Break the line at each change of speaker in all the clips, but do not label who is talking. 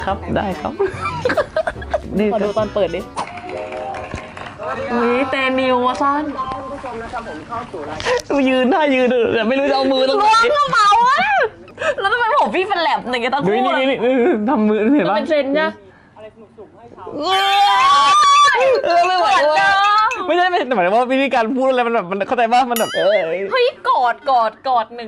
ครับได้ครับนี่ขอดูตอนเปิดดิอุ้ยเตนิวอะซ่อนผู้ชมนะครับผมเข้าสู่รายการยืนท่ายืนแต่ไม่รู้จะเอามือตรงไหนล้วงกระเป๋าอะแล้วทำไมผมพี่เป็นแหลบอย่างเงี้ยตะคู่นี่ทำมือเห็นปะเป็นเทรนด์เนี่ยอะไรสนุกๆให้เขาไม่ไหวไม่ใช่แต่หมายถึงว่าวิธีการพูดอะไรมันแบบมันเข้าใจป่ะมันแบบเฮ้ยกอดหนึ่ง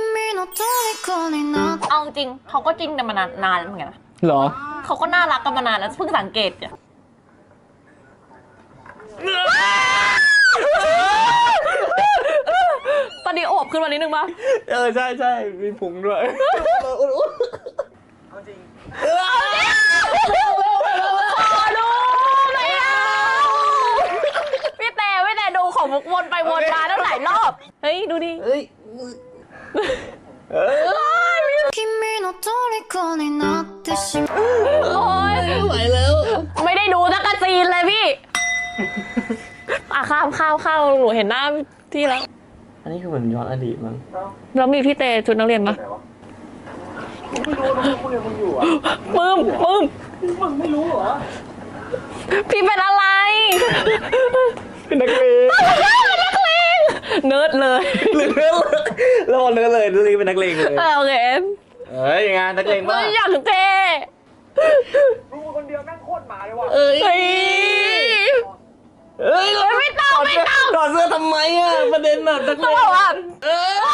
เอาจริงเขาก็จริงแต่มานานแล้วเหมือนกันนะหรอเขาก็น่ารักกันมานานแล้วเพิ่งสังเกตเนี่ยตอนนี้อวบขึ้นมานิดนึงป่ะใช่มีพุงด้วยเอาจริงขอดูหน่อยนะพี่แต่ดูของมุกวนไปวนมาตั้งหลายรอบเฮ้ยดูดิโอ๊ยไม่ไหวแล้วไม่ได้ดูสักซีนเลยพี่ข้าวหนูเห็นหน้าที่แล้วอันนี้คือเหมือนย้อนอดีตมั้งแล้วมีพี่เตชุดนักเรียนปะไม่รู้มึงอยู่อ่ะมึงไม่รู้เหรอพี่เป็นอะไรเป็นนักเลงเนิร์ดเลยแล้วพอเนิร์ดเลยนี่เป็นนักเลงเลยโอเคงานนักเลงมากอยากเตรู้คนเดียวแม่งโคตรหมาเลยว่ะไม่ต้องถอดเสื้อทำไมอ่ะประเด็นแบบนักเลง